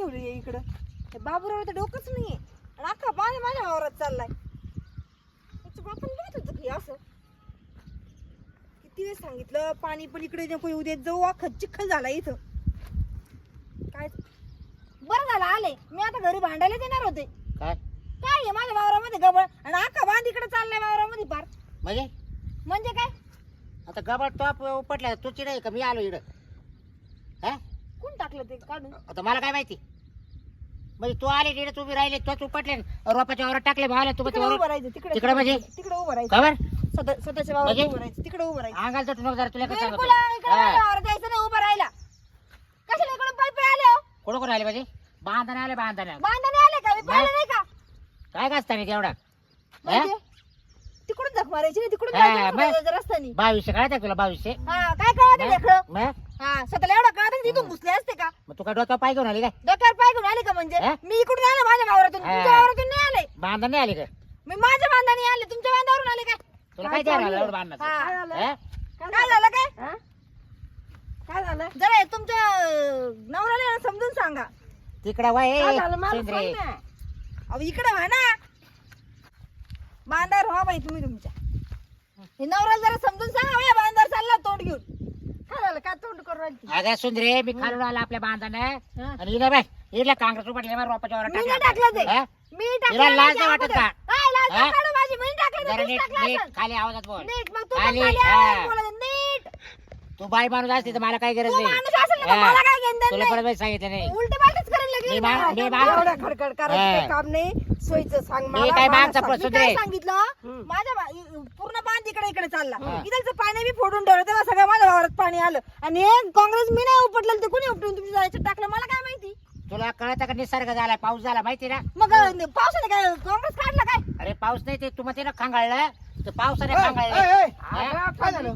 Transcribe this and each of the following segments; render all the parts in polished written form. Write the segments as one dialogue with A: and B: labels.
A: ठेवली इकडं? हे बाबूराव तर डोकंच नाहीये आणि अख्खा बाण माझ्या वावरात चाललाय. त्याच्या बापाने माहित होतं की असं किती वेळ सांगितलं पाणी पण इकडे नको येऊ देत जाऊ, अख्खा चिखल झाला इथं. काय बरं झालं आले, मी आता घरी भांडायला येणार होते.
B: काय
A: काय आहे माझ्या वावरामध्ये गबळ आणि अख्खा बांध इकडे चाललाय वावरामध्ये पार. म्हणजे काय
B: आता गबाळ टॉप उपटला तुझी नाही का मी आलो इकडं? हा
A: कोण टाकलं ते काढून?
B: आता मला काय माहिती म्हणजे तू आले तिकडे तुम्ही राहिले तोच उपटले रोपाच्या वावरात टाकले भावले तू
A: तिकडे उभं राहायचं, तिकडे
B: तिकडे म्हणजे
A: तिकडे उभं राहायचं,
B: खबर
A: स्वतःच्या वावरात
B: म्हणजे?
A: उभं राहायचं, तिकडे उभं राहायचं.
B: अंगाल तर तुला जरा तुला काय
A: बिलकुल इकडे माझ्या वावरात जायचं नाही, उभं राहिला. कशाला इकडून पाय आले हो?
B: कोण कोण आले म्हणजे बांधाने आले बांधाने
A: बांधाने आले का? मी पाहिलं नाही का?
B: काय गाजता नाही तेवढा
A: म्हणजे तिकडून झक मारायची नाही, तिकडून
B: हा,
A: जायचं
B: मग?
A: रस्त्याने रस्त्याने.
B: 2200 कळत तुला 2200
A: हा काय कळत लेकरं?
B: मग
A: हा स्वतःला एवढा कळत तिथून घुसले असते का?
B: मग तू काय डोक्यावर पाय घेऊन आली काय
A: डोक्यावर पाय घेऊन आले का? म्हणजे
B: हा?
A: मी इकडून आले माझ्या वावरातून,
B: हा.
A: तुमच्या वावरातून नाही आले.
B: बांधाने आली का
A: मी माझ्या बांधाने आले, तुमच्या बांधावरून आले काय?
B: तुला काय द्यायला एवढं बांधणार
A: हा.
B: हा?
A: काय झालं काय? काय झालं? जरा हे तुमच्या नवऱ्याला समजून सांगा.
B: तिकडे वय
A: काय झालं मला
B: सेंद्रे
A: सांग ना. अहो इकडे व्हा ना, बांधावर व्हा बाई तुम्ही तुमच्या. हे नवऱ्याला जरा समजून सांगा, या बांधावर चालला तोंड घेऊन. काय झालं? काय तोंड करून राहिली?
B: अगं सुंदरे मी खालून आला आपल्या बांधाने आणि इला बाय इला काँग्रेस उपटले मग रोपाच्या वावरात
A: मी नाही टाकलं ते.
B: हा?
A: मी
B: हिला
A: टाकलं
B: लाज
A: माझ्या
B: नाही वाटत का?
A: अगोदर. काय लाज
B: हा?
A: नाही काढू माझी? मी नाही टाकलं
B: जरा
A: तर तुम्हीच
B: नीट
A: टाकलं
B: नीट
A: असेल.
B: खाली आवाजात बोल
A: नीट मग तू पण
B: खाली,
A: खाली
B: हा.
A: आवाजात बोलायचं. नीट
B: तू बाई माणूस असते तर मला काय गरज
A: तू
B: नाही
A: माणूस असेल ना तर
B: हा.
A: मला काय घेणं देणं
B: तुला
A: नाही.
B: परत बाई सांगितलं नाही
A: उलटे पालटेच करायला लागली
B: मी
A: मला.
B: मा- मी मा-
A: एवढं खडखड करायचं
B: हा.
A: काही काम नाही. सोयीचं सांग
B: मी
A: मला.
B: काय
A: मला
B: मागचा
A: सांग.
B: प्रश्न
A: मी काय
B: दे.
A: सांगितलं माझ्या पूर्ण बांध इकडे इकडे चालला.
B: हा.
A: इथलचं पाणी मी फोडून ठेवलं तेव्हा सगळं माझ्या वावरात पाणी आलं आणि हे काँग्रेस मी नाही उपटलं, ते कोणी उपटून तुमच्या जायचं टाकलं मला काय माहिती?
B: तुला कळत का निसर्ग झाला पाऊस झाला माहिती ना
A: मग पावसाने काय काँग्रेस काढला काय?
B: अरे पाऊस नाही ते तू मग ना खांगाळलं तर पावसाने
C: ए,
B: खांगाळलं
C: ए, ए.
B: हा?
C: काय झालं?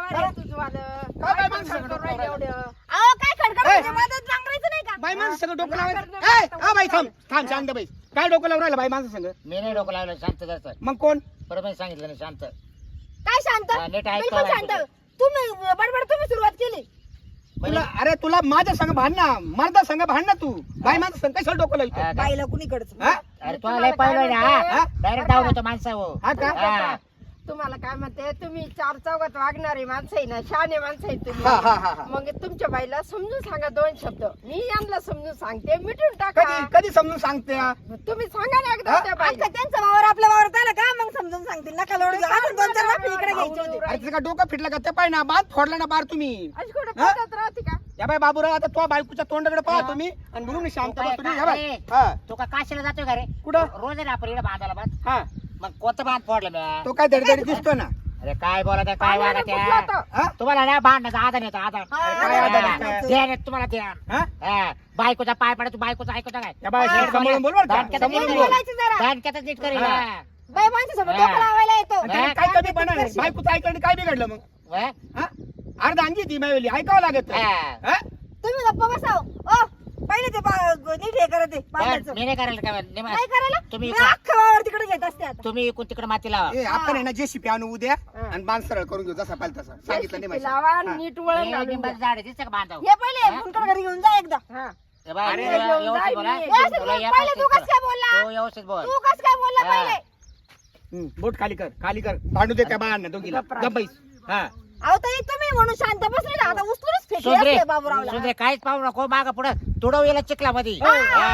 C: काय माणसं सगळं डोकं लावायचं?
A: अहो काय खडखड
C: ए.
A: म्हणजे मदत नांगरायचं नाही का?
C: बाई माणसं सगळं डोकं लावायचं? ए, आ बाई थांब थांब शांत बाई. काय डोकं लावून राहिलं बाई माणसं संग?
B: मी नाही डोकं लावलं शांत जास्त
C: मग कोण?
B: बरोबर मी सांगितलं नाही शांत
A: काय शांत?
B: हा, नीट ऐक
A: बिलकुल
B: बाई
A: शांत.
B: तुझं.
A: तुम्ही बडबड तुम्ही सुरुवात केली.
C: तुला अरे तुला माझ्या संग भांड ना मर्दा संग भांड ना तू बाई माणसं संग कशाला डोकं लावतो?
B: हा, काय?
A: बाईला कुणीकडच
C: हा?
B: अरे तू लय पाहिलं ना
C: हा?
B: डायरेक्ट डाऊन होतो माणसा हो
C: हा का?
B: हा.
D: तुम्हाला काय म्हणते, तुम्ही चार चौघात वागणारे माणसं आहे ना, शहाणे माणसं आहे
C: हा हा
D: तुम्ही.
C: हा हा.
D: मग तुमच्या बाईला समजून सांगा 2 शब्द. मी यांना समजून सांगते, मिटून टाका.
C: कधी कधी समजून सांगते हा?
D: तुम्ही सांगा ना एकदा
C: हा?
D: त्या बाईला.
A: आता त्यांचा वावर आपल्या वावरात आला का मग समजून सांगतील. नका लोड घेऊ. अजून 2-4 वाफे इकडे घ्यायचे होते.
C: अरे तुझं का डोकं फिटलं का ते पाय ना बात फोडला ना बार तुम्ही
D: अशी कुठं
C: हा?
D: पद्धत राहते का?
C: या बाई बाबूराव आता तो बायकोच्या तोंडाकडे पाहतो मी आणि म्हणून मी शांत
B: तू काय-
C: बसतो मी. या बाई.
B: काय-
C: हा
B: तू का काशीला जातोय का रे
C: कुठं?
B: रोज आहे ना आपण इकडे बांधायला बांध
C: हा
B: मग कोणतं बांध फोडलं मी
C: तो काय धडधडी दिसतो ना
B: अरे काय बोला काय
D: पाण्याने
B: वागा
D: कुठला
B: त्या
D: होता?
C: हा?
B: तुम्हाला ना भांडण्याचा आधार येतो आधार
A: हा,
C: काय आधार
B: हा,
C: येतो?
B: ध्यान येतं तुम्हाला ध्यान
C: हा?
B: हा, बायकोचा पाय पडा तू बायकोचा ऐकतो काय
C: या बाई
A: हा.
C: सांभाळून बोल बरं का?
B: दांडक्यात
C: सांभाळून
B: नीट
C: बोल.
A: बोलायचं जरा.
B: दांडक्यातच नीट करेल
C: हा.
B: हा.
A: बाई माणसासोबत
B: हा.
A: डोकं लावायला येतो.
C: आणि त्याने काय कमी पण आहे बायकोचं ऐकलं आणि काय बिघडलं मग
B: हा?
C: हा? अर्धा अंगी ती मायवली ऐकावं लागत
B: हा.
C: हा?
A: तुम्ही गप्पा बसाव. ओ पहिले ते नीट हे करत आहे बांधायचं.
B: मी नाही करायला काय
A: काय करायला?
B: तुम्ही
A: मी अख्खा वावर तिकडे घेत असते आता.
B: तुम्ही इकडून तिकडे माती लावा
C: ए, आपण आहे ना जेसीपी आणू उद्या आणि बांध सरळ करून घेऊ जसा पाहिजे तसा सांगितलं नाही
D: लावा,
C: माहिती. हा.
D: नीट वळण
B: हे
D: घालून
B: लिंबाचं
D: द्या.
B: झाड आहे दिसतं का बांधावं
A: हे पहिले फुलकर घरी घेऊन जा एकदा.
D: हा.
B: हे बाय,
C: अरे,
B: तुला
D: घेऊन
B: व्यवस्थित
D: जाय
B: बोला.
D: मी.
A: व्यवस्थित
B: तुला
A: बोल.
B: या
A: पहिले तू
B: पासून
A: कसं काय बोलला?
B: तू व्यवस्थित बोल
A: तू कसं काय बोलला
B: हा.
A: पहिले?
C: बोट खाली कर भांडू दे त्या बाळांना दोघीला गप्पाईस हा
A: अहो ताई तुम्ही म्हणून शांत बसले ना, आता उचलूनच फेकले
B: सुंदरे
A: असते बाबूरावला.
B: सुंदरे काहीच पाहू नको माग पुढं तुडव येला चिखला मध्ये
C: ए,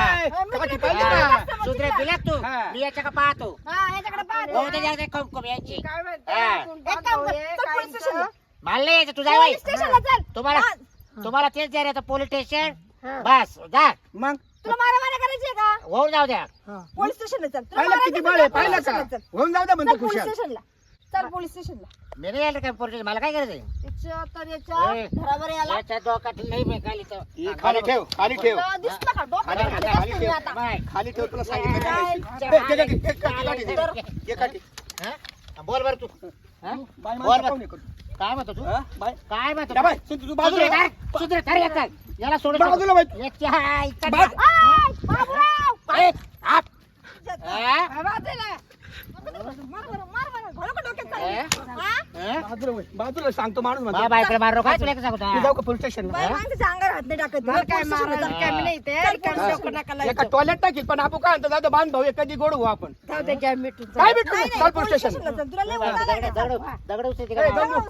C: काठी पाहिजे का?
B: सुंदरे बिलाक तू
C: हा.
B: मी याच्या का पाहतो
A: हा याच्याकडे पाहा.
B: हो त्याच्या कम यांची
D: काय म्हणते,
B: हा.
D: आपण
A: एक काम कर,
D: बांधवले,
A: चल
D: काय
A: पोलीस स्टेशनला.
B: मला नाही यायचं तुझा बाई
A: पोलीस स्टेशनला चल.
B: तुम्हाला
A: हा.
B: तुम्हाला तेच द्या रे पोलीस स्टेशन
D: हा.
B: बस जा
C: मग
A: तुला मारामारी करायची आहे का?
B: होऊन जाऊ द्या
A: पोलीस स्टेशनला चल. तुला
C: पाहिलं
A: मारायचं
C: किती
A: का?
C: बळ आहे
A: पोलीस
C: पाहिलं का
A: स्टेशनला चल.
C: होऊन जाऊ द्या
A: चल
C: म्हणतो
A: पोलीस
C: खुशाल
A: स्टेशनला चल पोलीस स्टेशनला.
B: मी नाही यायला काय पोलीस मला काय करायचंय
A: त्याच्या तर याच्या
B: ए.
A: घरावर याला
B: याच्या डोक्यात नाही मी खाली
C: हे खाली ठेव
A: तुला दिसलं का? डोक्यात
C: खाली-
A: घातलं
C: खाली
A: असतं मी
C: ठेव.
A: आता.
B: बाय
C: खाली ठेव तुला सांगितलं
A: काय?
C: नाही माहिती. ए, ते काठी, एक काठी, काठी दे. एक काठी.
B: हा? बोल बर तू हा?
C: बाई
B: बोल
C: माणसं
B: बर
C: पाहून ये करू.
B: काय म्हणतो तू
C: हा? बाई
B: काय म्हणतो
C: या
B: तू?
C: बाई सुन तू बाजूला
B: सुंदरे
C: ये.
B: काय? सुंदरे थारी येतात. याला सोडून
C: बाजूला बाई.
B: याच्या इतका
C: बाय.
A: आय, बाबूराव
B: ए, आप.
A: इज्जत.
B: हा?
A: हा, वाजलेलं. मार बरं, मार बरं. घोडं का डोक्यात चाललं? हा?
C: बाजूला सांगतो माणूस म्हणतो.
B: मा बायकडे मारू काय तुला सांगतो
C: मी जाऊ का पोलीस स्टेशनला
A: बाई माणसाच्या अंगावर हात नाही टाकत
D: मला काय
A: पोलीस स्टेशनला
D: मारायला
A: चल.
D: काय मी नाही ते रिकामी डोकं नका
C: एका
D: लावायचं.
C: टॉयलेट टाकील पण आपण काय म्हणतो जाऊ दे, बांध भाऊ कधी गोड होऊ आपण
D: जाऊ दे काय मिटून
C: काय
D: जाऊ.
C: भेटू
A: नाही,
C: चल
A: नाही,
C: पोलीस
A: पोलीस
C: स्टेशनला
A: स्टेशनला चल. तुला लय वैताग आलाय का?
B: दगड उचलते
C: ए,
B: का?
C: जाऊ.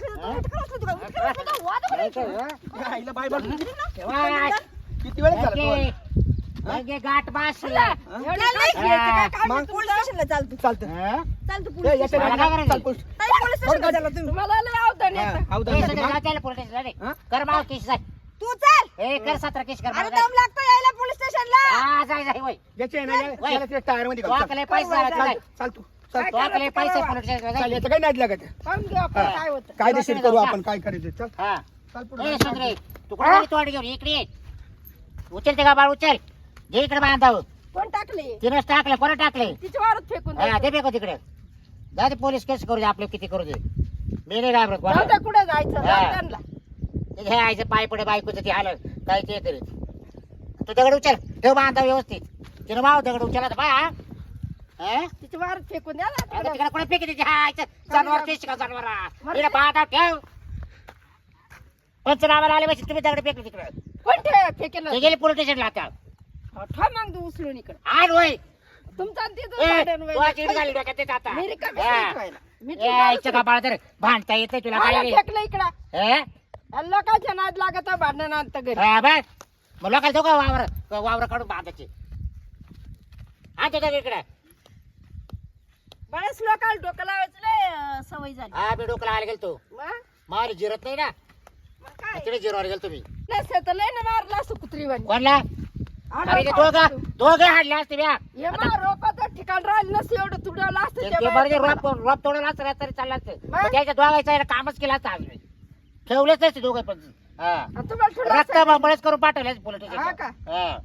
C: आईला बाय बाय. किती वेळ झाला तू?
B: गाठ बास
A: एवढं नाही खेळायचं काय काम नाही. पोलीस स्टेशनला चाल तू.
C: चालतं
A: चाल तू
C: ए,
A: पोलीस
C: याच्या
B: मला
C: नादी
B: काय
C: लाग. चाल पोलीस.
A: ताई, पोलीस स्टेशनला चला तुम्ही.
D: तुम्हाला लय अवधान येतं.
C: हा, अवधान नाही. हा?
B: कर माव केस जाय
A: तू चल.
B: ए कर 17 केस कर
A: अरे
B: माव
A: दम लागतो यायला पोलीस स्टेशनला.
B: हा जाय जाय होय
C: याच्या आहे ना,
B: वय.
C: याला त्या टायर मध्ये घाल.
B: वाकले पैसे झाले
C: चाल,
B: जाय
C: चाल तू चाल.
D: काय
B: वाकले पैसे
D: करावं?
B: पोलीस स्टेशनला
C: चाल
B: जाय.
C: याचं काही नाद लागत आहे.
D: पाहून घेऊ आपण काय होतं.
C: कायदेशीर करू आपण काय करायचं चल
B: हा
C: चाल
B: ए
C: पुढे.
B: सुंदरे तू कोण तोड घेऊन इकडे ये. उचल ते का बाळ उचल जे इकडे बांधाव
D: कोण टाकले
B: तिनंच टाकलं कोणा टाकले
D: तिच्या वावरात फेकून
B: हा
D: द्यायचं.
B: ते बेको तिकडे जा ते पोलीस केस करू दे आपले किती करू दे मी नाही घाबरत
D: जाऊ
B: कोणाला.
D: दे कुठे जायचं
B: हा.
D: जाऊ त्यांना.
B: ते हे आईचं पाय पडे बायकोचं ते हाल काय ते करीत तू दगड उचल ठेव बांधा व्यवस्थित तिनं माव दगड उचला बाय हा हा?
D: तिच्या वावरात फेकून द्या ना
B: आता
D: तिकडं.
B: तिकडे कोणी फेकी देते हा आईचं जनावर केस का जनावर तिला बांधा ठेव पंचनामाला आले पाहिजे तुम्ही दगड फेकले तिकडे
D: कोण फेकेल
B: ते गेले पोलीस स्टेशनला आता
D: ठा मग तू उचलून इकडे
B: आण होय
D: तुमचा आणि तिथं
B: ए,
D: भांडण
B: तू
D: व्हायला.
B: आज इकडे घाली डोक्यात येत आता
D: मी रिकामी
B: हा.
D: नाही व्हायला. मी
B: ए,
D: तुला
B: आईचं कपाळ तर भांडता येते तुला
D: मला
B: काय
D: फेकलं इकडं
B: हे?
D: लोकांच्या नाद लागत भांडण आणतं घरी
B: हा, बघ मग लोकांना जाऊ का वावर काढून बांधायचे हा ते इकडे
D: बरेच लोकांना डोकं लावायचं लय सवय झाली
B: हा मी डोकं लावायला गेलो
D: मग
B: मार जिरत नाही ना
D: मग काय
B: तिकडे जिरवायला गेलो तुम्ही
D: नसतं तर लय ना मारला असं कुत्रीवाणी
B: कोणला अरे ते दोघं हाडले असते ब्या
D: हे मा रोपाचं ठिकाण राहिलं नसतं एवढं तुडवलं असतं
B: ते
D: त्या
B: बरं
D: बाया.
B: रोप तोडलं असतं तरी चाललं असतं
D: मग?
B: पण त्याच्या दोघायचं कामच केलं असतं आज मी ठेवलेच नसते दोघं पण हा
D: आणि तुम्हाला ठुलं
B: रक्त
D: असतं.
B: बळच करून पाठवले पोलीस
D: हा का?
B: स्टेशन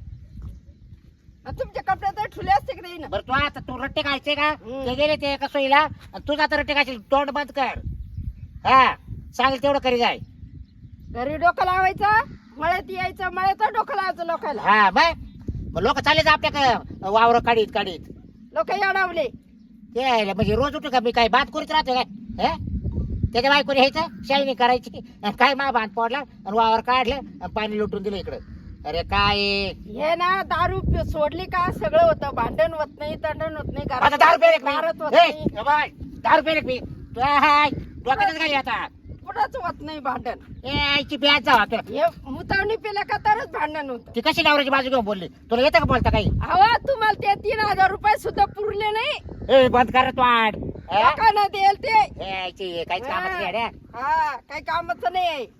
D: आणि तुमच्या कपड्यात तर ठुले असते की नाही ना
B: बरं तू आता तू रट्टे खायचे का
D: हम्म.
B: ते गेले ते एका सोयीला आणि तू आता रट्टे खायचे तोंड बंद कर हा सांगेल तेवढं करी जाय
D: घरी डोकं लावायचं मळ्यात यायचं मळ्यात डोकं लावायचं लोकांना
B: हा मग लोक चालले आपल्या वावर काढीत
D: लोक याडावले
B: ते यायला म्हणजे रोज उठू का मी काय बात करीत राहतो काय हे त्याच्या बायकोने ह्यायचं शाळणी करायची आणि काय मा बांध पडला आणि वावर काढलं आणि पाणी लुटून दिलं इकडं अरे काय
D: हे ना दारू सोडली का सगळं होतं भांडण होत नाही तंडण होत नाही
B: आता 10 रुपये
D: दारात होत नाही
B: 10 रुपये मी डोक्यातच घाली आता
D: कुठंच होत नाही भांडण
B: ए आईची ब्याज जावा तुला
D: हे मुतावणी पिलं का तरच भांडण होतं
B: ती कशी नवऱ्याची बाजू घेऊन बोलली तुला येतं का बोलता काही
D: अहो तुम्हाला ते 3,000 रुपये सुद्धा पुरले नाही
B: ए बंद कर वाढ
D: लोकांना देईल ते
B: काहीच कामाचं नाही रे.
D: हा काही कामाचं नाही आहे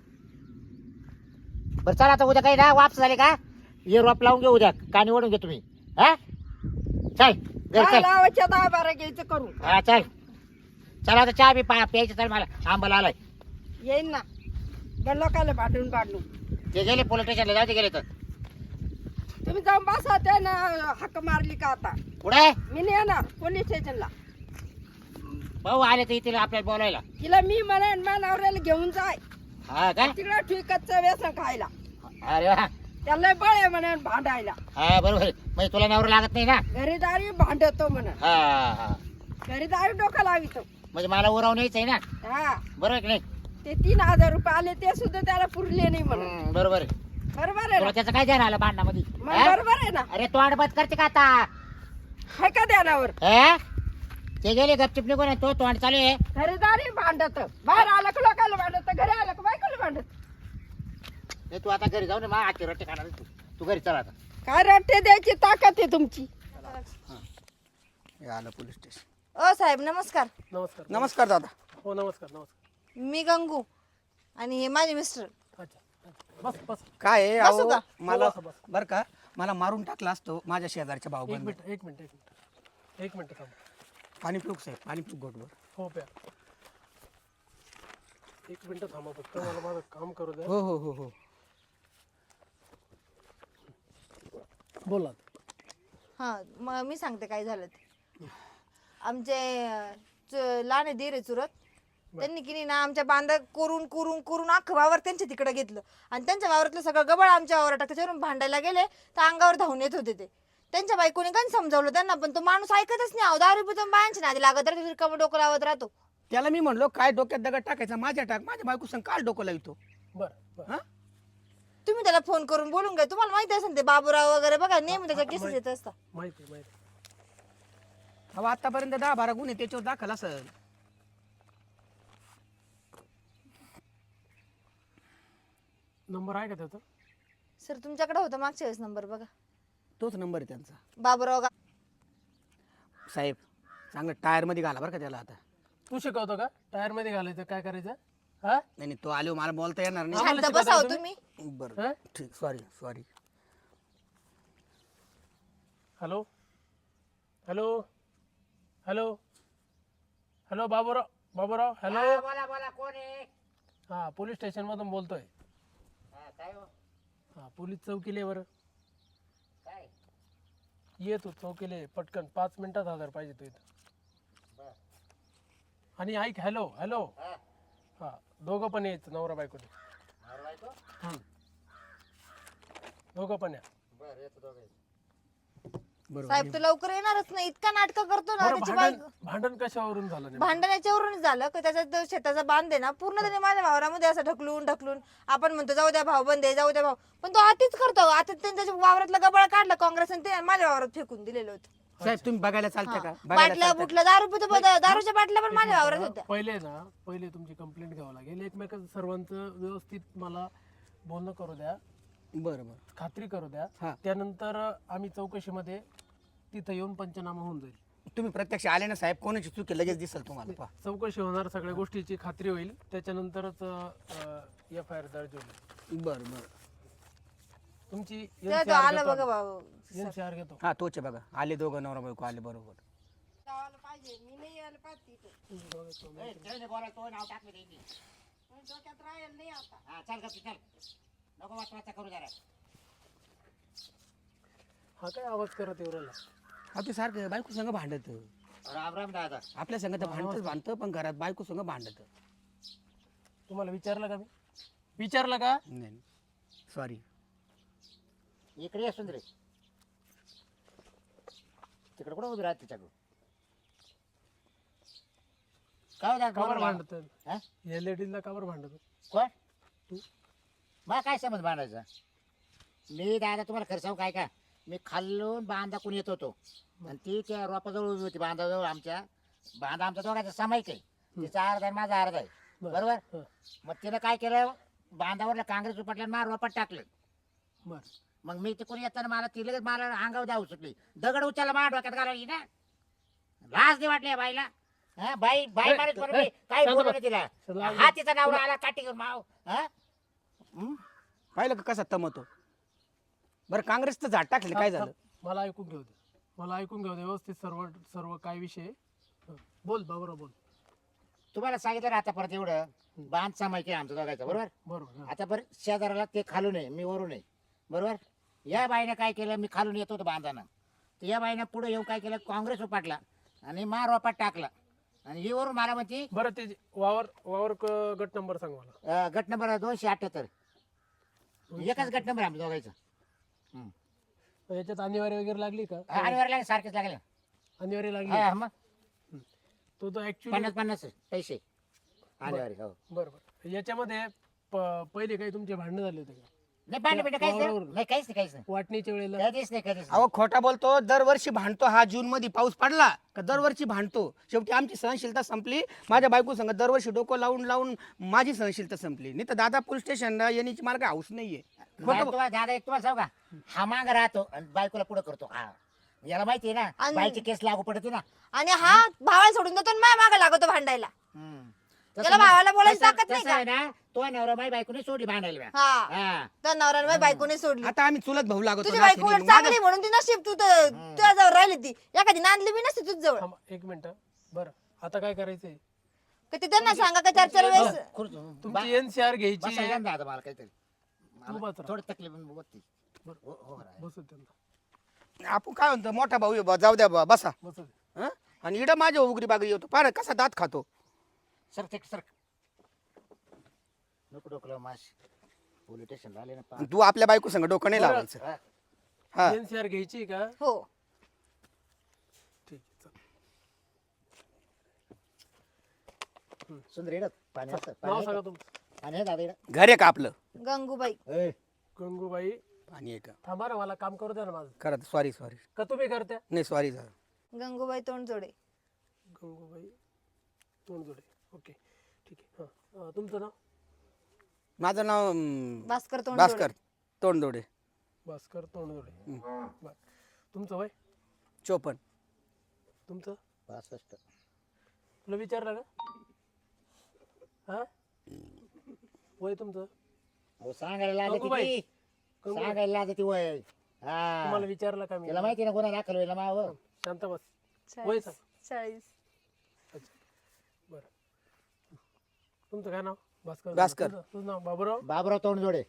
B: बरं चला आता उद्या काही ना वापस झाले का हे रोप लावून घेऊ उद्या कानी ओढून घे तुम्ही हा चल घरी
D: काय
B: चल
D: लावायच्या 10-12 घ्यायचं करू
B: हा चल चला आता चहा बी प्यायचं चल मला आंबाला आलाय
D: येईन ना त्या लोकांना भांडून भांडून
B: ते गेले पोलीस स्टेशनला जाऊ ते गेले तर
D: तुम्ही जाऊन बसा त्यानं हक्क मारली का आता
B: कुठे
D: मी नाही येणार पोलीस स्टेशनला
B: भाऊ आले तर इथे आपल्याला बोलायला
D: तिला मी म्हणेन माझ्या नवऱ्याला घेऊन जाय
B: हा का
D: तिकडं ठिकचं व्यसन खायला
B: अरे वा
D: त्याला बळ आहे म्हणून भांडायला
B: हा बरोबर म्हणजे तुला नवरा लागत नाही ना
D: घरी दारी भांडतो म्हणून
B: हा हा
D: घरी दारी डोकं लावितो
B: म्हणजे मला उरावून यायचं आहे ना
D: हा
B: बरोबर आहे की नाही
D: ते 3,000 रुपये आले ते सुद्धा त्याला पुरले नाही म्हणून
B: बरोबर आहे
D: बरोबर आहे
B: तुला
D: ना
B: त्याचं काय ध्यान आलं भांडणामध्ये
D: मग
B: हा?
D: बरोबर आहे ना
B: अरे तोंड बंद करते का आता
D: हाय का ध्यानावर
B: हा? ते गेले गपचिप निघून आहे, तो तोंड चालू आहे
D: घरी दारी भांडत बाहेर आलं का लोकांना भांडत घरी आलं का बायकोला भांडत
B: हे तू आता घरी जाऊ ना मा आजची रट्टे खाणार आहे तू घरी चला आता
D: काय रट्टे द्यायची ताकद आहे तुमची
C: हे आलं पोलीस स्टेशन
A: ओ साहेब नमस्कार.
E: नमस्कार
C: नमस्कार दादा
E: हो नमस्कार
A: मी गंगू आणि हे माझे मिस्टर.
E: अच्छा बस बस
C: काय आहे
A: बसू
C: अहो,
A: का?
C: मला
E: बसा, बसा.
C: बरं का मला मारून टाकला असतो माझ्या शेजारच्या भाऊ
E: एक मिनिट थांब
C: पाणी पिऊक साहेब पाणी पिऊक गोटवर
E: हो प्या एक मिनिट थांबा फक्त मला माझं काम करू द्या
C: हो हो हो हो
E: बोला
A: हा मग मी सांगते काय झालं ते. आमचे लहान आहे धीर आहे चुरत त्यांनी की नाही ना आमच्या बांधा करून करून करून अख्खं वावर त्यांच्या तिकडे घेतलं आणि त्यांच्या वावरातलं सगळं गबळ आमच्या वावरात टाकलं. त्याच्यावरून भांडायला गेले तर अंगावर धावून येत होते ते. त्यांच्या बायकोने काय समजावलं त्यांना पण तो माणूस ऐकतच नाही. 10 रुपये बायांच्या नादी लागत राहतो रिकामं डोकं लावत राहतो.
C: त्याला मी म्हणलो काय डोक्यात दगड टाकायचा माझ्या टाक, माझ्या बायको संग काल डोकं लावतो.
E: बरं बरं
C: हा
A: तुम्ही त्याला फोन करून बोलून घ्या. तुम्हाला माहिती असेल ते बाबूराव वगैरे बघा नेहमी त्याच्या केसेस येत असतात.
E: माहिती माहिती.
C: अहो आतापर्यंत 10-12 गुन्हे त्याच्यावर दाखल असेल.
E: नंबर आहे का त्याचा?
A: सर तुमच्याकडे होता मागच्या वेळेस नंबर बघा.
C: तोच नंबर आहे त्यांचा.
A: बाबूराव
C: साहेब चांगलं टायर मध्ये घाला बरं का त्याला आता.
E: तू शिकवतो का टायर मध्ये घालायचं काय करायचं? हा
C: नाही नाही, तो आलो मला बोलता येणार नाही.
E: आम्हाला
A: शांत
E: शिकवताय
A: बसाव
E: तुम्ही?
A: तुम्ही.
C: बरं
E: हा?
C: ठीक, sorry.
E: Hello hello hello hello Baburao hello.
B: हा, बोला बोला, कोण आहे?
E: हा पोलीस स्टेशन मधून बोलतोय.
B: हा, काय हो?
E: हा पोलीस चौकीले बरं
B: काय?
E: ये तू चौकीले पटकन 5 मिनिटात हजर पाहिजे तू इथं.
B: बरं.
E: आणि ऐक हॅलो हॅलो.
B: हा,
E: हा दोघं पण यायचं नवरा बायकोने.
B: नवरा बायको?
E: दोघं पण या.
B: बरं, येतो दोघे.
A: साहेब तो लवकर येणारच नाही. इतका नाटक करतो ना
E: बरं,
A: त्याची
E: भांडण
A: बायको.
E: भांडण कशावरून झालं नेमकं?
A: भांडण याच्यावरूनच झालं की त्याचा तो शेताचा बांध आहे ना पूर्ण त्याने माझ्या वावरामध्ये असं ढकलून आपण म्हणतो जाऊ द्या भाऊ बंद आहे जाऊ द्या भाऊ, पण तो आतीच करतो. आता त्याने त्याच्या वावरातला गबाळ काढला काँग्रेसने ते माझ्या वावरात फेकून दिलेलं होतं.
C: साहेब तुम्ही बघायला चालता का? बघायला
A: बाटल्या
C: चालतं का?
A: बुटल्या दारूच्या बाटल्या पण माझ्या वावरात होत्या.
E: पहिले तुमची कंप्लेंट घ्यावं लागेल. एकमेकांचं सर्वांचं व्यवस्थित मला बोलणं करू द्या,
C: बरं बरं.
E: खात्री करू द्या.
C: हा.
E: त्यानंतर आम्ही चौकशीमध्ये तिथं येऊन पंचनामा होऊन जाईल.
C: तुम्ही प्रत्यक्ष आले ना साहेब, कोणाची चूक आहे लगेच दिसेल तुम्हाला. पहा.
E: चौकशी होणार, सगळ्या गोष्टीची खात्री होईल, त्याच्यानंतरच FIR दर्ज होईल.
C: बरं बरं.
E: तुमची
A: तेव्हा तो आला बघा भाऊ.
E: NCR घेतो.
C: हा तोच आहे बघा. आले दोघं नवरा बायको आले बरोबर.
A: मी नाही यायला पाहते इथे.
B: ए, त्याने बोलायचं, तो नाव टाकलं त्यांनी.
A: डोक्यात राहील नाही आता.
B: हा, चल गं, चल. नको वाचा करू जरा.
E: हा काय आवाज करत एवढ्याला?
C: हा ते सारखं बायको संग भांडत.
B: राम राम दादा.
C: आपल्या संग तर भांडतं पण घरात बायको संग भांडत.
E: तुम्हाला विचारलं का मी? विचारलं का?
C: नाही सॉरी.
B: इकडे असून रे. तिकडे कुठं उभी राहत तिच्याकडून? काय होतं
E: कावर
B: बोला.
E: भांडत?
B: हा?
E: या लेडीजला कावर भांडत?
B: कोण?
E: तू.
B: मला काय समज बांधायचा? मी दादा तुम्हाला खरं सांगू काय का, मी खाल्लून बांधा कोण येत होतो आणि ती त्या रोपाजवळ उभी होती. बांधाजवळ बांधा आमच्या दोघांचा सामायिक आहे. तिचा अर्धा आहे माझा अर्धा आहे. बरोबर.
E: हं.
B: मग तिनं काय केलं, बांधावरला काँग्रेस उपटल्या मार रोपात टाकलं.
E: बर.
B: मग मी तिकडून येताना मला ती लगेच मला अंगावर जाऊ सुटली. दगड उचलला माझ्या डोक्यात घालायची ना. लाज नाही वाटली या बाईला. हा, बाई
E: ए,
B: माणूस म्हणून
E: ए,
B: मी काय
E: शांत
B: बोलू
E: बस.
B: तिला.
E: लाज
B: हा तिचा नवरा आला काठी घेऊन माव. हा?
C: पाहिलं का कसा तमतो. बरं काँग्रेसचं झाड टाकलं काय झालं?
E: मला ऐकून घेऊ दे. मला ऐकून घेऊ दे व्यवस्थित सर्व सर्व काय विषय आहे. हं. बोल बाबूराव बोल.
B: तुम्हाला सांगितलं ना आता परत एवढं बांध सामायिक आहे आमचं दोघायचं. बरोबर.
E: बरोबर. हं.
B: आता बरं शेजाराला ते खालून आहे मी वरून आहे. बरोबर. या बाईनं काय केलं, मी खालून येत होतो बांधानं, तर या बाईनं पुढे येऊन काय केलं, काँग्रेस उपाटला आणि मार रोपात टाकला आणि ही वरून मला म्हणते
E: बरं ते वावर गट नंबर सांग मला.
B: गट नंबर 278. एकच गट नंबर आमच्या दोघायचं.
E: याच्यात अनिवार्य वगैरे लागली का?
B: आणि वर लागले सारखेच लागले.
E: अनिवार्य लागली.
B: हा मग
E: तो ऍक्च्युली
B: 50-50 पैसे आणि हो.
E: बरोबर. याच्यामध्ये पहिले काही तुमचे भांडणं झाले होते का?
B: नाही पाणी पिठं काहीच नाही.
E: वावरावरून.
B: नाही काहीच नाही काहीच नाही
E: वाटणीच्या वेळेला
B: कधीच नाही कधीच नाही.
C: अहो खोटा बोलतो. दरवर्षी भांडतो हा. जून मध्ये पाऊस पडला का दरवर्षी भांडतो. शेवटी आमची सहनशीलता संपली. माझ्या बायको संग दरवर्षी डोकं लावून लावून माझी सहनशीलता संपली. नाही तर दादा पोलीस स्टेशनला येण्याची मार्ग हाऊस नाहीये. खोटं
B: तुम्हाला दादा एक तुम्हाला सांगू का, हा माग राहतो आणि बायकोला पुढे करतो. हा याला माहिती आहे ना
A: आणि-
B: बाईची केस लागू पडते ना.
A: आणि हा भावाला सोडून देतो आणि माझ्या मागे लागतो भांडायला.
B: तसं
A: त्याला
B: मग-
A: भावाला बोलायची
B: तसं-
A: ताकद नाही
B: तसं
A: का?
B: आहे ना, तो नवरा बाई बायकोने सोडली भांडायला.
A: हा
B: हा.
A: तर नवऱ्याने माझ्या बायकोने सोडली.
C: आता आम्ही चुलत भाऊ लागतो.
A: तुझी
C: नाशिक
A: बायको उलट
C: माझं-
A: चांगली म्हणून ती नशीब तू तर तुझ्या जवळ राहिली. ती एखादी नांदली बी नसते तुझ जवळ.
E: थांबा, एक मिनिट. बरं आता काय करायचंय?
A: का ते त्यांना सांगा का 4-4 वेळेस
E: तुमची NCR घ्यायची आहे.
B: बसायला ना दादा मला काहीतरी
E: तू बस राहा.
B: थोडी तकलीफ होती.
E: बरं.
B: हो, हो, राय.
E: बसू दे त्यांना.
C: आपण काय म्हणतो मोठा भाऊ आहे बा, जाऊ द्या बा, बसा.
E: बसू दे.
C: हं? आणि इडा माझ्या उगरी बागरी येतो. पार कसा दात खातो.
B: सर ते सर नको डोकलं माश पोलीस स्टेशन आले ना
C: आणि तू आपल्या बायको संग डोकं नाही
E: बरं.
C: लावायचं.
B: हा.
C: हा
E: NCR घ्यायची आहे का?
A: हो
E: ठीक आहे चल.
B: सुंदर येडत पाणी असतं
E: नाव सांगा तुमचं.
B: पाणी आहे दादा इकडं.
C: घर आहे का आपलं
A: गंगूबाई.
B: ए,
E: गंगूबाई.
C: आणि आहे का
E: थांबा ना, मला काम करू द्या ना माझं.
C: करा सॉरी
E: का तुम्ही करत्या?
C: नाही sorry sir.
A: Gangubai Tondjode.
E: Gangubai Tondjode. Okay ठीक आहे. हां तुमचं नाव?
C: माझं नाव
A: भास्कर तोंडजोडे.
C: भास्कर तोंडदोडे.
E: भास्कर तोंडजोडे. बरं. तुमचं वय?
C: 54.
E: तुमचं?
B: 65.
E: तुला विचारलं का? हा वय तुमचं?
B: अहो, सांगायला लागत
E: गंगूबाई.
B: ती सांगायला लागत ती वय.
E: तुम्हाला
B: हा
E: विचारलं का मी?
B: तिला माहिती ना कोणा दाखल होईल माव.
E: शांत बस.
A: 40.
E: वय सांग.
A: 40.
E: अच्छा बरं. तुमचं काय नाव? भास्कर.
C: भास्कर.
E: तुझं नाव? बाबूराव
B: बाबराव तोंडजोडे.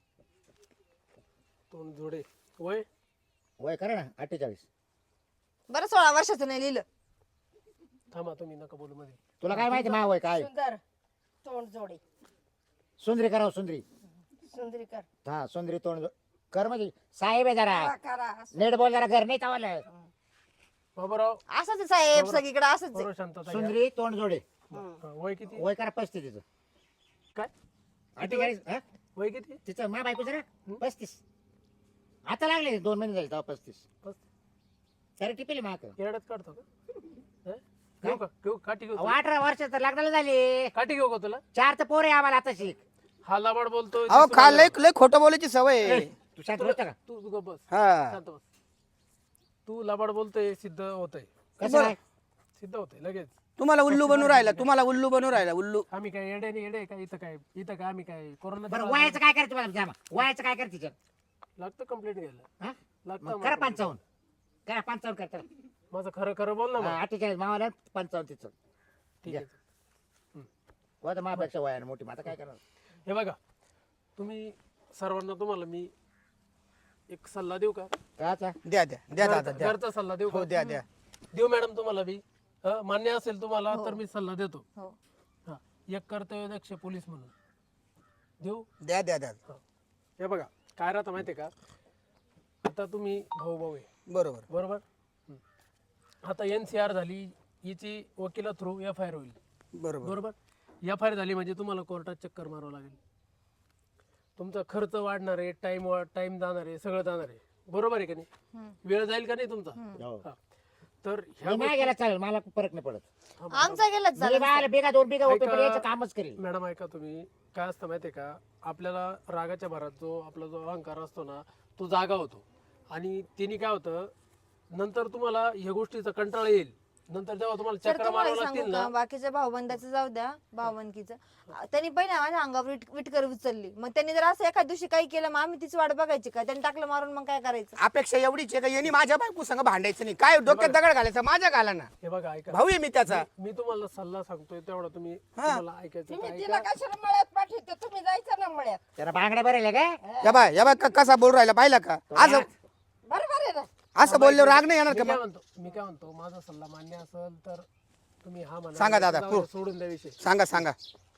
E: तोंडजोडे. वय?
B: वय करा ना 48.
A: बरं 16 वर्षाचं नाही लिहिलं.
E: थांबा, तुम्ही नका बोलू मध्ये.
B: तुला काय माहिती माव वय काय?
D: सुंदर तोंड जोडे.
B: सुंदरी करावं सुंदरी.
D: सुंदरी कर.
B: हा सुंदरी तोंड कर म्हणजे साहेब आहे जरा
D: करा.
B: नेट बोल जरा घर नाही तावलं.
E: बाबूराव
A: असंच आहे साहेब सगळीकडे असंच आहे.
E: बरोबर. शांतता घ्या.
B: सुंदरी तोंडजोडे.
E: हा, वय किती?
B: वय करा 35 तिचं.
E: काय
B: 48. हा?
E: वय किती?
B: तिचं मा बायको जरा 35. आता लागले 2 महिने झाले तेव्हा 35.
E: बस.
B: सर टिपेल माक.
E: केरड्यात काढतो का? हं? घेऊ का? घेऊ काठी घेऊ?
B: 18 वर्ष तर लग्नाला झाले.
E: काठी घेऊ का तुला?
B: 4 तर पोरे आम्हाला आता शिक.
E: हा लाबाड बोलतोय.
C: अहो
E: दिसू
C: खा
E: लागला.
C: लय खोटं बोलायची सवय आहे.
B: तू शांत बसता का?
E: तू गप्प बस.
C: हा
E: शांत बस. तू लाबाड बोलतोय, सिद्ध होतंय.
B: कसं काय?
E: सिद्ध होतंय लगेच.
C: तुम्हाला उल्लू बनवून राहिला, तुम्हाला उल्लू बनवून राहिला उल्लू.
E: आम्ही काय येडे नाही येडे का? इथं काय आम्ही काय कोरोना
B: बरं वयाचं काय करते मला जामा? वयाचं काय करते तिचं?
E: लागतं कंप्लेंट घ्यायला.
B: हा?
E: लागतं
B: मग करा
E: आम्हाला.
B: 55. करा 55 करता.
E: माझं खरं खरं बोल ना मग.
B: 48 मावाला 55 तिचं.
E: ठीक आहे.
B: वय तर माझ्यापेक्षा वयाने मोठी. मग आता काय करणार?
E: हे बघा, तुम्ही सर्वांना तुम्हाला मी एक सल्ला देऊ का?
B: काचा?
C: द्या द्या द्या दादा द्या.
E: घरचा सल्ला देऊ
C: हो
E: का?
C: द्या द्या.
E: देऊ मॅडम तुम्हाला मी. मान्य असेल तुम्हाला तर मी सल्ला देतो.
A: हो.
E: हा, एक कर्तव्यदक्ष पोलीस म्हणून देऊ.
C: द्या द्या द्या.
E: हे बघा काय राहतं माहितीये का? आता तुम्ही भाऊ भाऊ आहे
C: बरोबर
E: बरोबर. आता NCR झाली, हिची वकिला थ्रू FIR होईल
C: बरोबर
E: बरोबर. FIR झाली म्हणजे तुम्हाला कोर्टात चक्कर मारावं लागेल. तुमचा खर्च वाढणार आहे, टाइम जाणार आहे, सगळं जाणार आहे. बरोबर आहे का नाही? वेळ जाईल का नाही तुमचा?
B: हो.
E: हा. तर
B: मी नाही गेला चालेल, मला फरक नाही पडत.
A: आमचा गेलाच
B: मी
A: झाला.
B: बाळाला बिगा 2 बिगा
E: ऐका.
B: होते पण याचं कामच करेल.
E: मॅडम ऐका, तुम्ही काय असतं माहितीये का? आपल्याला रागाच्या भरात आपला जो अहंकार असतो ना, तो जागा होतो. आणि तिने काय होतं, नंतर तुम्हाला ह्या गोष्टीचा कंटाळा येईल. नंतर जेव्हा तुम्हाला
A: तर
E: चक्र
A: तुम्हाला
E: मारावं
A: सांगू
E: लागतील
A: का,
E: ना.
A: बाकीच्या भाऊबंदाचं जाऊ द्या, भावबंदकीचं त्यांनी पहिला माझ्या अंगावर विटकर उचलली. मग त्यांनी जर असं एखाद दिवशी काही केलं, मग आम्ही तीच वाट बघायची का? त्यांनी टाकलं मारून, मग काय करायचं?
C: अपेक्षा एवढीच आहे का यांनी माझ्या बायको संग भांडायचं नाही. काय डोक्यात दगड घालायचा माझ्या घाला ना.
E: हे बघा ऐका,
C: भाऊ आहे मी त्याचा.
E: मी तुम्हाला सल्ला सांगतोय तेवढा तुम्ही तुम्हाला ऐकायचं
D: तुम्ही
E: का
D: तिला
E: ऐका.
D: कशाला मळ्यात पाठवते? तुम्ही जायचं ना मळ्यात.
B: त्याला बांगड्या भरेल काय?
C: या बाय कसा बोल राहिला पाहिला का? आज
D: बरोबर आहे ना?
C: असं बोलल्यावर राग नाही येणार
E: मी
C: का
E: काय
C: मग?
E: म्हणतो, माझा सल्ला मान्य असेल तर तुम्ही हा म्हणा.
C: सांगा दादा,
E: जाऊ द्या,
C: हो.
E: सोडून द्या विषय.
C: सांगा सांगा.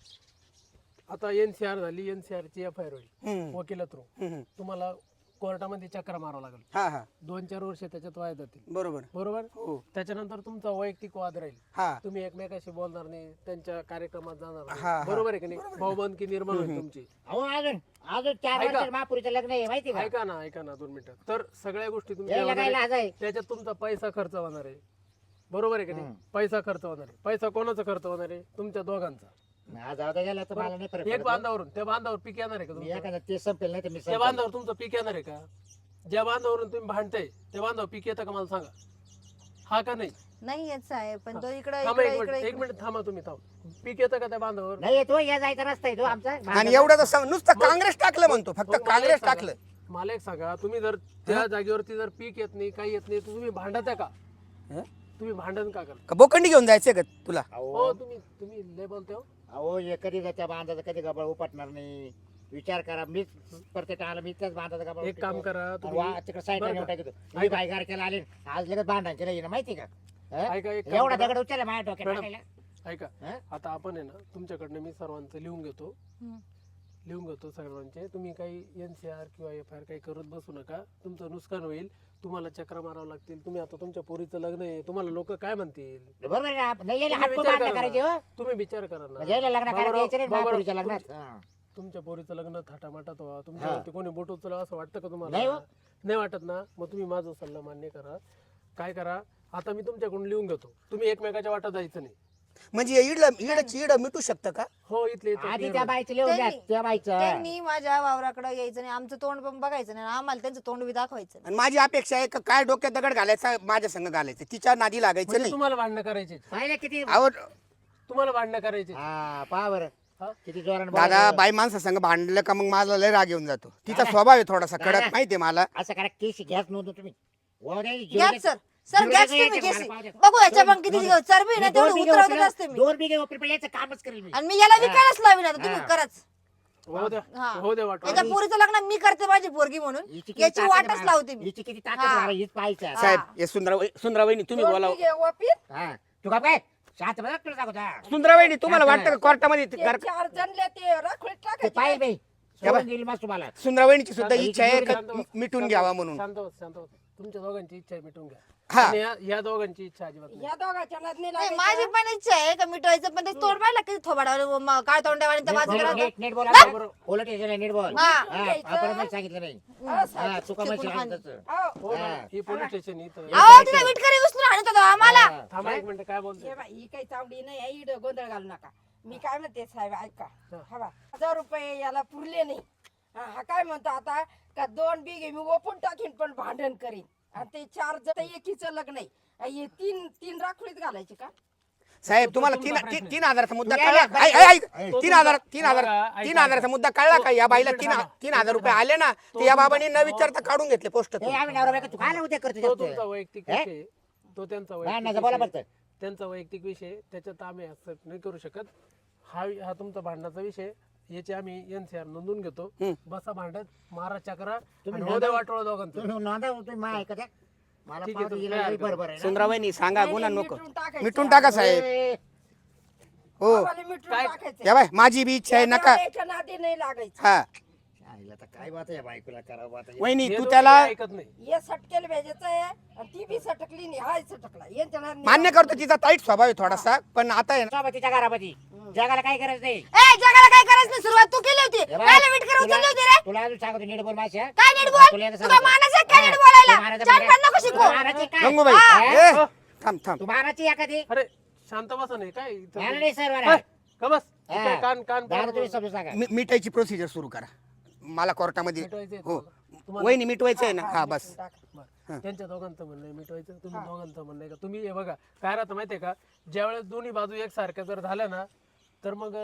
E: आता NCR झाली, NCR ची FIR होईल
C: हम्म,
E: वकिला थ्रू.
C: हम्म.
E: तुम्हाला कोर्टामध्ये चक्र मारावं लागेल.
C: हा हा
E: 2-4 वर्ष त्याच्यात वाया जातील
C: बरोबर
E: बरोबर.
C: हो
E: त्याच्यानंतर तुमचा वैयक्तिक वाद राहील.
C: हा
E: तुम्ही एकमेकाशी बोलणार नाही, त्यांच्या कार्यक्रमात जाणार
C: हा,
E: नाही.
C: हा.
E: बरोबर आहे की नाही? भाऊबंदकी निर्माण होईल तुमची.
B: अहो अजून 4
E: ऐका.
B: वर्ष महापुरीचं लग्न आहे माहिती का?
E: ऐका ना 2 मिनिटं. तर सगळ्या गोष्टी
B: यायला
E: तुमच्या
B: काय लाज आहे?
E: त्याच्यात तुमचा पैसा खर्च होणार आहे. बरोबर आहे की नाही? पैसा खर्च होणार आहे. पैसा कोणाचा खर्च होणार आहे? तुमच्या दोघांचा.
B: आज जाऊ गेला तर मला नाही फरक
E: एक
B: पडत.
E: बांधावरून त्या बांधावर पीक येणार आहे का
B: मी
E: तुमचं?
B: एखादा ते संपेल नाही तर मी
E: त्या
B: संपेल.
E: बांधावर तुमचं पीक येणार आहे का? ज्या बांधावरून तुम्ही भांडताय त्या बांधावर पीक येतं का मला सांगा. हा का नाही?
A: नाही येत साहेब, पण तो इकडे
E: थांबा
A: इकडे
E: एक मिनिट थांबा तुम्ही. पीक येतं का त्या बांधावर?
B: नाही येतो या जायचा रस्ता आहे तो आमचा.
C: आणि एवढं तर नुसतं काँग्रेस टाकलं म्हणतो, फक्त
E: मग मला एक
C: काँग्रेस
E: सांगा,
C: टाकलं.
E: मला एक सांगा, तुम्ही जर त्या जागेवरती जर पीक येत नाही, काही येत नाही, तर तुम्ही भांडत आहे का?
C: हं?
E: तुम्ही भांडण का करता?
C: का बोकंडी घेऊन जायचंय का तुला?
E: हो, तुम्ही लय बोलते हो.
B: अहो हे कधी त्या बांधाचा कधी गबाळ उपटणार नाही. विचार करा, मीच प्रत्येक आला मी त्याच बांधाचा गबाळ
E: एक काम करा तुम्ही.
B: तिकडे साईडला
E: बरं
B: नेऊन
E: का?
B: टाकतो. मी बायगार केला आले आज लगेच भांडायचे नाही माहिती का? हं?
E: ऐका, एक काम
B: एवढा
E: करा.
B: दगड उचलला माझ्या डोक्यात
E: मॅडम,
B: टाकायला.
E: ऐका,
B: हं?
E: आता आपण आहे ना, तुमच्याकडनं मी सर्वांचं लिहून घेतो.
A: हम्म.
E: लिहून घेतो सर्वांचे. तुम्ही काही NCR किंवा FIR काही करत बसू नका, तुमचं नुकसान होईल. तुम्हाला चक्रा मारावं लागतील. तुम्ही आता तुमच्या पोरीचं लग्न आहे, तुम्हाला लोक काय म्हणतील?
B: बरोबर आहे ना? नाही यायला
E: तुम्ही
B: हात
E: विचार
B: बांधणं
E: करा
B: करायचे
E: ना.
B: हो.
E: तुम्ही विचार करा
B: म्हणजे यायला
E: ना.
B: लग्न करायचं यायचं नाही
E: बाबा-
B: महापुरीच्या लग्नात. हा.
E: तुमच्या पोरीचं लग्न थाटामाटात व्हावं, तुमच्यावरती कोणी बोट उचलावं असं वाटतं का तुम्हाला?
B: नाही हो.
E: नाही वाटत ना? मग तुम्ही माझा सल्ला मान्य करा. काय करा, आता मी तुमच्याकडून लिहून घेतो, तुम्ही एकमेकाच्या वाटा जायचं नाही.
C: म्हणजे इड मिटू शकतं का?
E: हो, इथले इथं
B: आधी
E: clear
B: त्या
E: होईल.
B: बाईचं लिहून द्या,
A: त्यांनी-
B: त्या बाईचं.
A: त्यांनी माझ्या वावराकडे यायचं नाही, आमचं तोंड पण बघायचं नाही, आम्हाला त्यांचं तोंड बी दाखवायचं नाही.
C: आणि माझी अपेक्षा आहे का काय डोक्यात दगड घालायचा माझ्या संग घालायचं, तिच्या नादी लागायचं
E: म्हणजे
C: नाही.
E: तुम्हाला भांडणं करायचे,
B: पाहिलं किती
C: अहो
E: तुम्हाला भांडणं करायचे.
B: हा पहा बरं
E: हा?
B: किती जोरानं
C: दादा
B: बोलायचं.
C: बाई माणसा संग भांडलं का मग माझा लय राग येऊन जातो. तिचा स्वभाव आहे थोडासा
B: दादा.
C: कडक, माहितीये मला.
B: असं करा केस घ्याच नव्हतं तुम्ही. वाहू द्या, जीव
A: घ्या
B: द्या.
A: सर, सर
B: जीव
A: घ्या
B: द्या,
A: तुम्ही
B: याच्या
A: केसी.
B: मला पाहू द्या.
A: बघू याच्या पण किती चरबी ना
B: मी
A: तेवढं
B: 2 बिघे
A: उतरवतच
B: उचललं,
A: असते मी.
B: 2 बिघे उपरी याचं कामच करेल मी.
A: आणि मी याला विकायलाच लावीन आता, तुम्ही
B: हा.
A: कराच.
E: हो द्या,
A: हा.
E: हो द्या वाटवा.
A: याच्या पोरीचं लग्न मी करते माझी पोरगी म्हणून,
B: हिची किती
A: याची
B: ताकद
A: वाटच
B: आहे
A: लावते मी.
B: हिची किती ताकद
A: हा.
B: आहे, हीच पाहायचं.
C: साहेब हे सुंदराबाईनी तुम्ही
D: दोन
C: बोलावं.
D: बिघे वापीत,
B: हा तू का काय शांत बघ तुला सांगतो हा.
C: सुंदराबाईनी तुम्हाला वाटतं का कोर्टामध्ये
D: ते
C: घर
D: 4 जणले ते राखोळीत
B: ते
D: टाकायचे.
B: पाहिजे बाई
C: या बाई.
B: सोडून दिली मग तुम्हाला.
C: सुंदराबाईंची सुद्धा
E: शांत-
C: इच्छा आहे का
E: शांत बस,
C: मिटून
E: शांत
C: घ्यावा
E: बस,
C: म्हणून.
E: शांत बस, शांत बस. तुमच्या दोघांची इच्छा आहे, मिटून घ्या.
C: हा.
E: आणि या दोघांची इच्छा अजिबात नाही.
D: या दोघांच्या नादनी
A: नाही,
D: लागायचं.
A: माझी पण इच्छा आहे का मिटवायचं, पण ते तोंड पाहिलं की थोबाडावर काळ तोंड्यावाने त्या बाजूला
B: नीट-
A: राहतं.
B: नीट नीट बोला
E: बरोबर.
B: पोलीस स्टेशनला नीट बोल.
A: हा.
B: हा, आपण नाही सांगितलं नाही.
D: हा, साहेब.
B: हा, चुका
A: शिकून
B: म्हणशील
A: खान.
B: तसं.
D: हो.
E: हो मॅडम, ही पोलीस स्टेशन इथं.
A: अहो तिला विटकरी उचलून आणत होतो आम्हाला.
B: हा.
E: थांबा एक मिनिट, काय बोलते?
D: हे बाई, ही काही चावडी नाही आहे, इकडं गोंधळ घालू नका. मी काय म्हणते साहेब ऐका,
E: हा.
D: हवा 1000 रुपये याला पुरले नाही. हा काय म्हणतो आता का 2 बिघे मी ओपून टाकीन पण भांडण करीन. आणि ते 4 जण एकीचं लग्न आहे. हे 3 राखोळीत घालायचे का?
C: साहेब तुम्हाला
E: तुमचा प्रश्न आहे.
C: 3,000चा मुद्दा
B: तू
C: कळला
B: यायला
C: ऐक, ऐक, ऐक.
B: ऐक.
C: 3,000
E: ऐका, ऐका.
C: 3,000चा मुद्दा कळला का? या बाईला
E: एक मिनिट थांबा.
C: 3,000 रुपये आले ना, ते या बाबांनी न विचारता काढून घेतले पोस्ट.
B: ए, आम्ही नवरा बायको, तू काय उद्या करतो
E: तो
B: जास्त?
E: तुमचा वैयक्तिक
B: हे?
E: विषय, तो त्यांचा
B: नाही,
E: वैयक्तिक
B: बोला
E: विषय.
B: फक्त.
E: त्यांचा वैयक्तिक विषय, त्याच्यात आम्ही ऍक्सेप्ट नाही करू शकत. हा तुमचा भांडणाचा विषय, याचे आम्ही NCR नोंदून घेतो. बसा भांडत, मारा चक्रा,
B: तुम्ही
E: आणि हो द्या वाटोळं दोघांचं.
B: तू नोंदा तुम्ही मा ऐकत आहे? मला
E: ठीक आहे,
B: पावती
E: तुम्ही
B: दिलं
E: काय
B: बरोबर आहे ना?
C: सुंदराबाईनी सांगा
D: नाही,
C: गुन्हा
D: नाही,
C: नको
D: मिटून टाकायचं.
C: मिटून टाका साहेब.
B: ए,
C: हो
D: आम्हाला मिटून
E: काय-
D: टाकायचं.
C: या बाय माझी बी इच्छा आहे नका.
D: याच्या नादी नाही लागायचं.
C: हा
B: आईला आता काय बात आहे या बायकोला करावं आता?
C: वहिनी
E: हे
C: तू
E: दोघं
C: त्याला
E: ऐकत नाही.
D: हे सटकेल भेजायचं आहे आणि ती बी सटकली नाही, हाय सटकला. यांच्या नादी नाही
C: मान्य करतो तिचा ताईट स्वभाव आहे थोडासा, पण आता आहे ना
B: सोबतीच्या घरामध्ये जगाला काय करायचं नाही.
A: ए जगाला काय करायचं नाही, सुरुवात तू केली होती.
B: हे बघ,
A: काय विटकर उचलली होती रे?
B: तुला अजून सांगतो नीट बोल माझ्या.
A: काय नीट
B: तुला
A: बोल?
B: एकदा
A: तुला
B: सांगतो.
A: मानाचं आहे काय नीट
B: हा,
A: बोलायला?
B: तू मानाचं
A: चार
B: बघ.
A: पाच नको
B: तू
A: शिकू.
B: मानाची काय?
C: गंगूबाई
B: हा.
C: ए, थांब थांब
B: तू मानाची एखादी
E: अरे शांत बसा नाही काय इथं?
B: मला नाही सर
E: ए, का बस?
B: हा.
E: काय कान कान
B: दादा तुम्ही समजून सांगा.
C: मिटायची प्रोसिजर सुरू करा मला कोर्टामध्ये.
E: मिटवायचंय
C: हो
E: तुम्हाला?
C: वहिनी मिटवायचं आहे ना. हा बस
E: बरं. त्यांच्या दोघांचं म्हणणं आहे मिटवायचं, तुम्ही दोघांचं म्हणणं आहे का? तुम्ही हे बघा काय राहतं माहितीये का, ज्यावेळेस दोन्ही बाजू एकसारख्या जर झाल्या ना, तर मग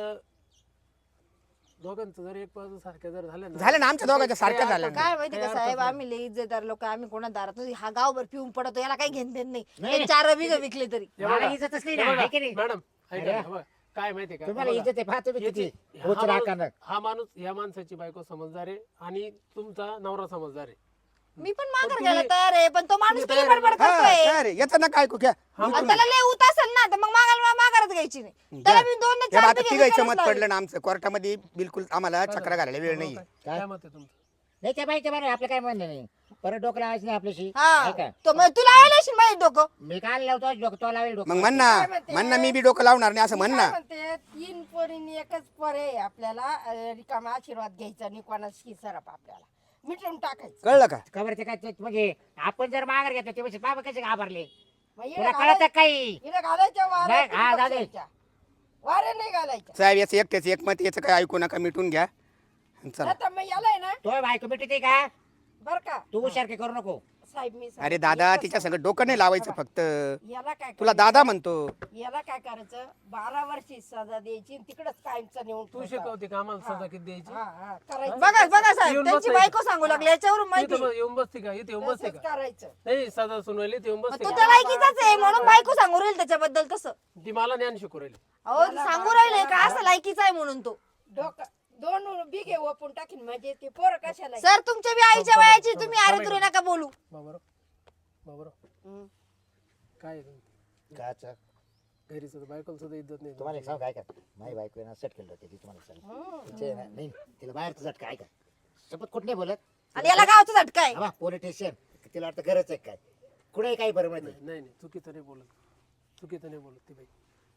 E: दोघांचं जर एक बाजू सारख्या जर झाल्या
C: झालं ना, आमच्या दोघांच्या सारख्या झाल्या ना.
A: काय माहिती का साहेब, आम्ही लई इज्जतदार लोक, आम्ही कोणा दारात हा गावभर पिऊन पडतो, याला काही घेण देण
B: नाही.
A: नाही. ते 4 बिघ विकले तरी.
B: मला इज्जतच नाही ना, आहे की नाही?
E: मॅडम ऐका ना, बघा, काय माहितीये का,
B: तुम्हाला
E: बघा,
B: इज्जत आहे पहा तुम्ही किती
E: याची-
B: होत
E: हा माणूस-
B: राहणार.
E: हा माणूस या माणसाची बायको समजदार आहे आणि तुमचा नवरा समजदार आहे.
A: मी पण माघार
E: तुम्ही-
A: घ्यायला तयार आहे, पण तो माणूस
E: तुम्ही
A: किती
E: तयार
A: बडबड
C: हा
A: करतोय.
C: काय रे याचं नका ऐकू घ्या.
A: आणि त्याला लय उत असेल ना, तर मग माघारच घ्यायची नाही. त्याला मी 2
C: या
A: 4
C: आता
A: बिघे
C: तिघायचं
A: विकायलाच
C: मत
A: लावेल.
C: पडलं ना आमचं कोर्टामध्ये. बिलकुल आम्हाला चक्रा घालायला वेळ नाही.
E: काय मत आहे तुमचं?
B: नाही त्या बाईच्या बरं आपलं काय म्हणणं नाही. परत डोकं लावायचं नाही आपल्याशी.
A: हा
B: आहे का?
A: तो मग तुला लावायला असेल माझे डोकं.
B: मी काय लावतो डोकं तो लावेल डोकं.
C: मग म्हण ना मी बी डोकं लावणार नाही असं म्हण ना.
D: म्हणते 3 पोरींनी एकच पोर आहे आपल्याला. रिकामा आशीर्वाद घ्यायचा नाही कोणाशी सरप आपल्याला मिटून टाकायचं.
C: कळलं का?
B: खबर ते काय ते म्हणजे आपण जर माघार घेतलं ते बाबा कसे घाबरले
D: मग
B: तुला
D: हिला
B: कळत काही
D: हिला घालायच्या
B: नाही, हा,
D: वाऱ्या
B: दादा.
D: वारे नाही घालायच्या.
C: साहेब याचं एकट्याच एक मत, याचं काय ऐकू नका, मिटून घ्या चला.
D: आता मग याला आहे ना
B: तो बायको मिटते का
D: बर का
B: तू सारखे करू नको.
D: साहेब मी
C: अरे
D: सांगते,
C: दादा
D: एकच
C: तिच्या
D: सांगते.
C: सगळं डोकं नाही लावायचं फक्त.
D: याला काय
C: तुला
D: करायचं?
C: दादा म्हणतो.
D: याला काय करायचं 12 वर्षी सजा द्यायची आणि तिकडच कायमचं नेऊन
E: तू
D: ठेवायचं.
E: शिकवते का आम्हाला सजा किती द्यायची?
D: करायचं
A: बघा बघा साहेब,
E: येऊन
A: त्यांची
E: बसायचं.
A: बायको सांगू लागली, याच्यावरून माहिती.
E: इथं येऊन बसते का? इथे येऊन बसते
D: तसंच
E: का?
D: करायचं.
E: नाही सजा सुनवायली इथे येऊन
A: मग
E: बसते
A: तो
E: का?
A: त्याला लायकीचाच आहे म्हणून बायको सांगू राहील त्याच्याबद्दल तसं.
E: ती मला ज्ञान शिकू राहिली.
A: अहो सांगू राहिले का असं लायकीचा आहे म्हणून तो.
D: डोकं 2 बिघे ओपून टाकीन म्हणजे ते पोरं कशाला
A: सर तुमच्या बी आईच्या वयाची, तुम्ही अरे तुरे नका बोलू.
E: बाबरो बाबरो काय आहे तुमचं?
B: काचा
E: घरीच बायकोला सुद्धा इज्जत नाही
B: तुम्हाला एक सांगू काय का माझी बायको आहे ना सेट केलं होतं ती तुम्हाला सांग तिचे ना- नाही तिला बाहेरचं झटका आहे का शपथ कुठे नाही बोलत
A: आणि याला गावचा झटका आहे.
B: पोलीस स्टेशन तिला वाटतं गरज आहे काय कुठे काही बरोबर नाही
E: नाही नाही चुकीचं नाही बोलत ती बाई.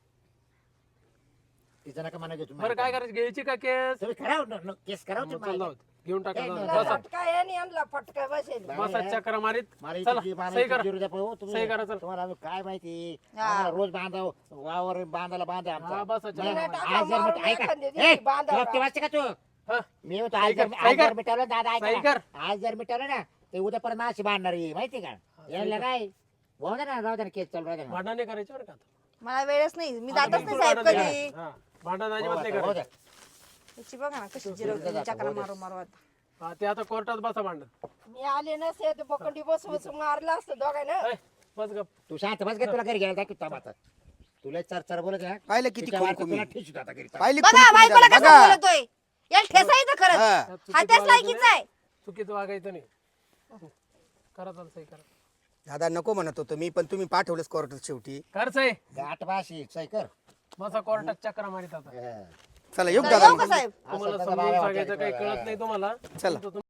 B: तिचं नका म्हणा घेऊ
E: बरं काय करायचं घ्यायची का केस
B: तुम्ही करावं केस करावं
E: मग
B: तुम्ही
E: चल जाऊ दे. घेऊन टाका
B: ए,
E: जाऊ दे.
B: निघा.
E: बसा
D: फटका आहे आणि यांना फटका बसेल
E: बसा चक्र मारीत
B: मला
E: चला
B: इथे- मला
E: सही
B: इथे
E: करा
B: जिरू द्या पाहू. तुम्ही-
E: सही करा, चल.
B: तुम्हाला अजून काय माहिती
A: हा.
B: आम्हाला रोज बांधाव वावर बांधायला बांधा
E: हा, बसा, चला.
B: नाही,
D: टाका,
B: आज जर
D: मारून
B: मिट- ऐका.
D: एखाद्या
B: ए,
D: दिवशी बांधावं.
B: तुला ते वाचते का तू
E: हा,
B: मी म्हणतो
E: सही
B: आज जर
E: कर, सही
B: आज जर
E: कर.
B: मिटवलं दादा
E: सही
B: ऐका
E: कर.
B: ना. आज जर मिटवलं ना ते उद्या परत नाशी बांधणार आहे माहिती का यायला काय भाऊ दे ना राहू दे ना केस चालू राहू दे ना.
E: भांडण नाही करायचं बरं का आता.
A: मला वेळच नाही, मी
E: आता
A: जातच नाही
E: बिलकुल
A: साहेब
E: भांडण
A: कधी.
E: नाही. हा, भांडण अजिबात नाही
B: हो, हो
E: करायचं
B: दे.
A: याची बघा ना कशी जिरवली चक्रा मारू मारू आता.
E: हा, ते आता कोर्टात बसा भांडण
D: मी आले नसते तर बकंडी बसू बसू मारलं असतं दोघांना.
E: ए, बस गप
B: तू शांत बस का तुला घरी घ्यायला दाखवतो थांब आता तुला चर बोलत आहे ना?
C: पाहिलं किती
B: तिच्या वाटतं
C: खुमखुमी.
B: तुला ठेचू आता घरी
C: पाहिली
A: बघा
C: खुमखुमी
A: बायकोला
C: झाली.
A: कसं
C: बघा.
A: बोलतोय, याला ठेसायचं खरंच.
C: हा.
E: त्यात
A: हा
E: चुकीचं
A: त्याच
E: वागायचं
A: लायकीचा आहे.
E: नाही. चुकीचं वागायचं नाही करा चाल सही करा
C: दादा नको म्हणत होतो मी, पण तुम्ही पाठवलंच कोर्टात शेवटी.
E: कर सही
B: गाठ बाशी सही कर
E: बसा कोर्टात चक्रा मारित आता
B: हा.
C: चला येऊ
A: चला,
C: दादा
A: येऊ
C: मग.
A: का साहेब?
E: तुम्हाला
B: असं
E: समजून
B: बाबा
E: सांगायचं काही
B: वाटायचं.
E: कळत नाही तुम्हाला
C: चला.
E: तुमचं